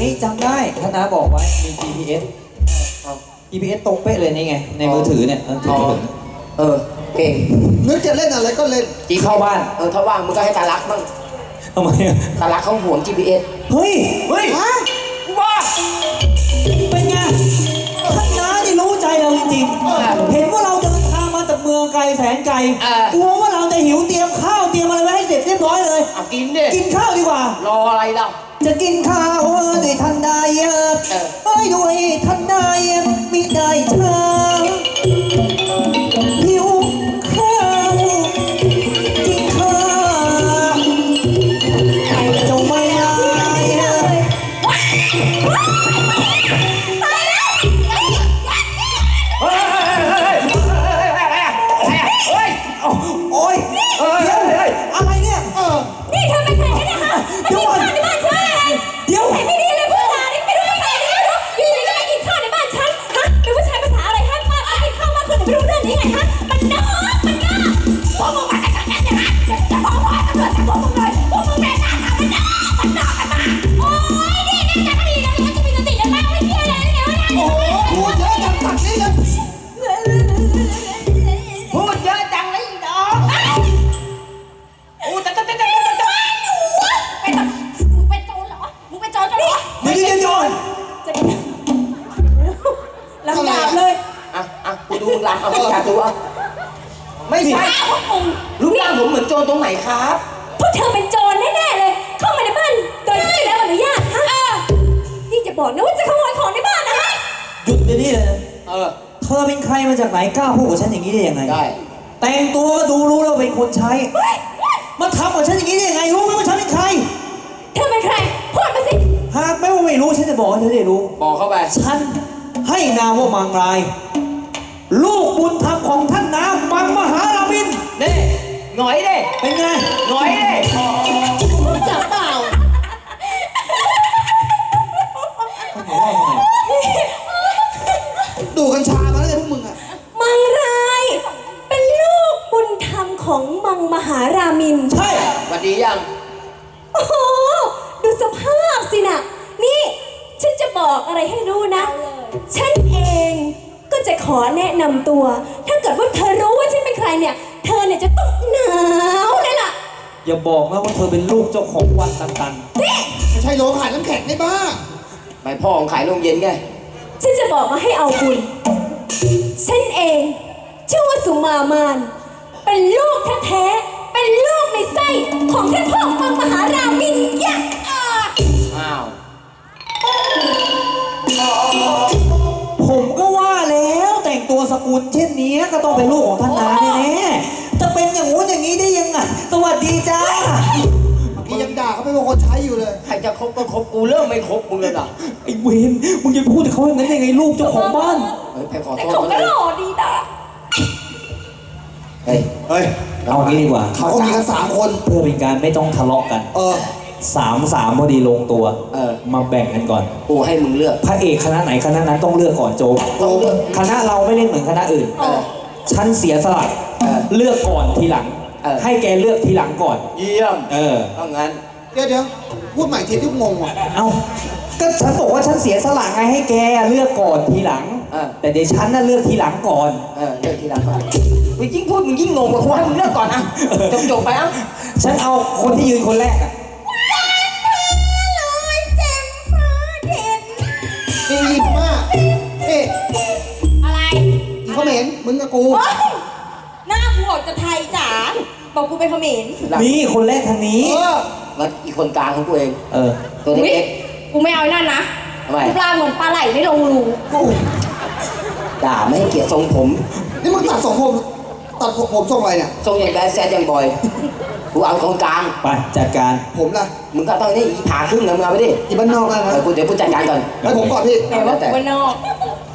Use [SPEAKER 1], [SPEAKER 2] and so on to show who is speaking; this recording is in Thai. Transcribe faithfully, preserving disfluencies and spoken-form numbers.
[SPEAKER 1] จำได้ท่านน้าบอกไว้มี จี พี เอส จี พี เอส ตรงเป๊ะเลยนี่ไงในมือถือเนี่ยถือถือ
[SPEAKER 2] เออเก่ง
[SPEAKER 3] นึกจะเล่นอะไรก็เล่น
[SPEAKER 1] จีเข้าบ้าน
[SPEAKER 2] เออถ้าว่างมึงก็ให้ตาลักบ้าง
[SPEAKER 1] ทำไมอะ
[SPEAKER 2] ตาลักเขาห่วง จี พี เอส
[SPEAKER 1] เฮ้ย
[SPEAKER 2] เฮ้ย
[SPEAKER 1] ว้าเป็นไงท่านน้านี่รู้ใจเราจริงๆเห็นว่าเราเดินทางมาจากเมืองไกลแสนไกลกลัวว่าเราจะหิวเตรียมข้าวเตรียมอะไรไว้ให้เสร็จเรียบร้อยเลย
[SPEAKER 2] เอากินดิ
[SPEAKER 1] กินข้าวดีกว่าร
[SPEAKER 2] ออะไรล่ะ
[SPEAKER 1] จะกินข้าวด้วยทันใดเอ้ยด้วยทันใดมิได้เธอหิวข้าวกินข้าวจงไม่ได้โอ๊ยอะไรเนี่ย
[SPEAKER 4] นี่เธอเป็นใครกันเนี่ยฮะมากินข้าวในบ้านฉันอะไรเดี๋ยวใส่ไม่ดีเลยพูดจานี่ไม่รู้ใครไม่รู้อยู่ดีก็มากินข้าวในบ้านฉันฮะเป็นผู้ชายภาษาอะไรฮะมากินข้าวมาคืนไม่รู้เรื่องนี้ไงฮะมันนอกมันนอกพวกมึงมาจากไหนเนี่ยฮะจะบอกว่าตำรวจจับพวกมึงเลยพวกมึงแม่หน้าหามันนอกมันนอกกันมาโอ๊ยนี่แม่จะดีนะมันจะมีสติยังไงไม่เชื่อเลยเนี่ยว่าโอ้โห
[SPEAKER 3] พูดเยอะจังตัดนี่เลย
[SPEAKER 2] พูดเยอะจังเลยอีดอกโอ้จะจะจะจะจะจะ
[SPEAKER 4] เป็นมึงเป็นโจรเหรอมึงเป็นโจรเหรอ
[SPEAKER 1] ไม่ใช่โจร
[SPEAKER 4] จะลำดาบเลย
[SPEAKER 2] อ่ะอ่ะกูดูมึงลำเอาอยากดูอ่ะไม่ใช่
[SPEAKER 4] พวกมึง
[SPEAKER 2] รูปร่างผมเหมือนโจรตรงไหนครับ
[SPEAKER 4] พวกเธอเป็นโจรแน่ๆเลยเข้ามาในบ้านโดยที่ไม่ได้รับอนุญาตฮะนี่จะบอกนะว่าจะขโมยของในบ้านนะฮะ
[SPEAKER 1] หยุดเดี๋ยวนี้เลย
[SPEAKER 2] เออ
[SPEAKER 1] เธอเป็นใครมาจากไหนกล้าพูดกับฉันอย่างนี้ได้ยังไง
[SPEAKER 2] ได้
[SPEAKER 1] แต่งตัวก็ดูรู้แล้วเป็นคนใช้มาทำกับฉันอย่างนี้ได้ยังไงรู้ไหมว่าฉันเป็นใคร
[SPEAKER 4] เธอเป็นใครพูดมาสิ
[SPEAKER 1] หากไม่ว่าไม่รู้ฉันจะบอกให้เธอได้รู้
[SPEAKER 2] บอกเข้าไป
[SPEAKER 1] ฉันให้นามว่ามังรายลูกบุญธรรมของท่านน้ามังมหารามิน
[SPEAKER 2] เน่หน่อยเด้
[SPEAKER 1] เป็นไง
[SPEAKER 2] หน่อยเด้
[SPEAKER 4] จับเปล่า
[SPEAKER 3] ดูกัญชามาแล้วพวกมึงอะ
[SPEAKER 4] มังรายเป็นลูกบุญธรรมของมังมหารามิน
[SPEAKER 1] ใช่
[SPEAKER 2] สวัสดียัง
[SPEAKER 4] โอ้โหดูสภาพสินะนี่ฉันจะบอกอะไรให้รู้นะฉันเองก็จะขอแนะนำตัวถ้าเกิดว่าเธอรู้ว่าฉันเป็นใครเนี่ยเธอเนี่ยจะต้องหนาวเลยล่ะ
[SPEAKER 1] อย่าบอกนะว่าเธอเป็นลูกเจ้าของวันตันตัน
[SPEAKER 4] นี่
[SPEAKER 3] ไม่ใช่โรงขายน้ำแข็งในบ้า
[SPEAKER 2] ไปพ่อของขายโรงเย็นไง
[SPEAKER 4] ฉันจะบอกมาให้เอาบุญฉันเองชื่อว่าสุมามานเป็นลูกแท้ๆเป็นลูกในไส้ของท่านพ่อมังมหารามินยักษ์
[SPEAKER 2] อ้าว
[SPEAKER 1] ผมก็ว่าแล้วแต่งตัวสกุลเช่นนี้ก็ต้องเป็นลูกของท่านนาแน่ๆจะเป็นอย่างงู้นอย่างนี้ได้ยังไงสวัสดีจ้า
[SPEAKER 3] เมื่อกี้ยังด่าเขาเป็นคนใช้อยู่เลย
[SPEAKER 2] ใครจะคบก็คบกูเริ่มไม่คบมึงเลยอ่ะ
[SPEAKER 1] ไอ้เวนมึงจะพูดกับเขาอย่างนั้นยังไงลูกเจ้าของบ้าน
[SPEAKER 2] เฮ้ยไปขอโทษ
[SPEAKER 4] แต่เขาก็หล่อดีนะ
[SPEAKER 2] เฮ้ย
[SPEAKER 3] เฮ้ย
[SPEAKER 1] เอางี้ดีกว่า
[SPEAKER 3] เขามีกันสามคน
[SPEAKER 1] เพื่อเป็นการไม่ต้องทะเลาะกัน
[SPEAKER 3] เออ
[SPEAKER 1] สามสามพอดีลงตัว
[SPEAKER 2] เออ
[SPEAKER 1] มาแบ่งกันก่อน
[SPEAKER 2] กูให้มึงเลือก
[SPEAKER 1] พระเอกคณะไหนคณะนั้นต้องเลือกก่อนโจคณะเราไม่เล่นเหมือนคณะอื่นฉันเสียสละเลือกก่อนทีหลังให้แกเลือกทีหลังก่อน
[SPEAKER 2] เยี่ยม
[SPEAKER 1] เออ
[SPEAKER 2] ต้องงั้น
[SPEAKER 3] เดี๋ยวเดี๋ยวพูดใหม่ทีที่งงอ่ะ
[SPEAKER 1] เอ้าก็ฉันบอกว่าฉันเสียสละไงให้แกเลือกก่อนทีหลังแต่เดี๋ยวฉันน่ะเลือกทีหลังก่อน
[SPEAKER 2] เออเลือกทีหลังก่อนมึงยิ่งพูดมึงยิ่งงงกว่ากูให้มึงเลือกก่อนนะจบจบไปอ่ะ
[SPEAKER 1] ฉันเอาคนที่ยืนคนแรกอ่ะ
[SPEAKER 3] ดีมากเอ๊ะ
[SPEAKER 4] อะไร
[SPEAKER 3] อีเขมรมึงกับกู
[SPEAKER 4] หน้ากูออกจะไทยจ๋าบอกกูเป็นเขมร
[SPEAKER 1] นี่คนแรกทางนี้
[SPEAKER 2] แล้วอีกคนกลางของกูเอง
[SPEAKER 1] เออ
[SPEAKER 2] ตัวเล็ก
[SPEAKER 4] กูไม่เอานั่นนะ
[SPEAKER 2] ทำไม
[SPEAKER 4] ปลาเหมือนปลาไหลไม่ลงรู
[SPEAKER 2] ด่าไม่ให้เกียรติทรงผม
[SPEAKER 3] นี่มึงตัดทรงผมตัดผมทรงอะไรเนี่ย
[SPEAKER 2] ทรงอย่างแบดแซดอย่างบอยกูเอาตรงกลาง
[SPEAKER 1] ไปจัดการ
[SPEAKER 3] ผมล่ะ
[SPEAKER 2] มึงก็ต้องนี่อีผ่าครึ่งนะมึงเอาไปดิ
[SPEAKER 3] อีบ้านนอกนะ
[SPEAKER 2] กูเดี๋ยวกูจัดการก่อน
[SPEAKER 3] ให้ผมก่อนพี่
[SPEAKER 4] แต่ว่ากูบ้านนอก